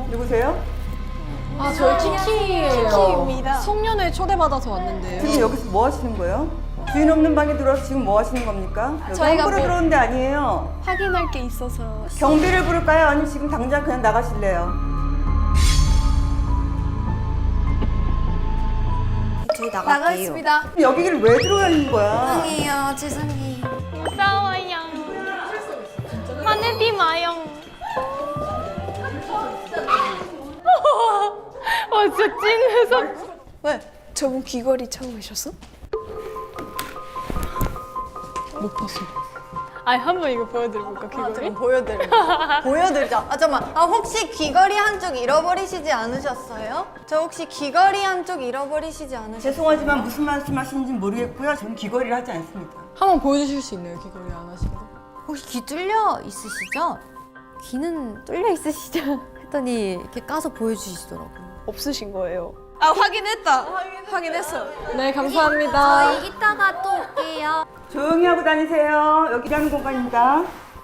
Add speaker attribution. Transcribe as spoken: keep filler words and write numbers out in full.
Speaker 1: 누구세요?
Speaker 2: 아, 저희 키키예요.
Speaker 3: 키키입니다.
Speaker 2: 송년회 초대받아서 왔는데요.
Speaker 1: 지금 여기서 뭐 하시는 거예요? 주인 없는 방에 들어와서 지금 뭐 하시는 겁니까? 여기
Speaker 3: 저희가
Speaker 1: 함부로
Speaker 3: 뭐-
Speaker 1: 들어온 데 아니에요.
Speaker 3: 확인할 게 있어서.
Speaker 1: 경비를 부를까요? 아니면 지금 당장 그냥 나가실래요?
Speaker 4: 저희 나갈게요.
Speaker 3: 나가겠습니다.
Speaker 1: 그럼 여기를 왜 들어와 있는 거야?
Speaker 4: 죄송해요, 죄송해요.
Speaker 5: 무서워요. 화내지 마요. 와 진짜 찐 무섭.
Speaker 3: 왜? 저분 귀걸이 참으셨어?
Speaker 2: 못 봤어.
Speaker 5: 아니 한번 이거 보여드려볼까 귀걸이?
Speaker 4: 좀 보여드려. 보여드리자. 아 잠깐만. 아 혹시 귀걸이 한쪽 잃어버리시지 않으셨어요? 저 혹시 귀걸이 한쪽 잃어버리시지 않으셨어요?
Speaker 1: 죄송하지만 무슨 말씀하시는지 모르겠고요. 저는 귀걸이를 하지 않습니다.
Speaker 2: 한번 보여주실 수 있나요, 귀걸이 안 하시는 거?
Speaker 4: 혹시 귀 뚫려 있으시죠? 귀는 뚫려 있으시죠? 했더니 이렇게 까서 보여주시더라고요.
Speaker 3: 없으신 거예요. 아 확인했다. 확인했어.
Speaker 2: 네, 감사합니다.
Speaker 4: 이따가 또 올게요.
Speaker 1: 조용히 하고 다니세요. 여기 일하는 공간입니다.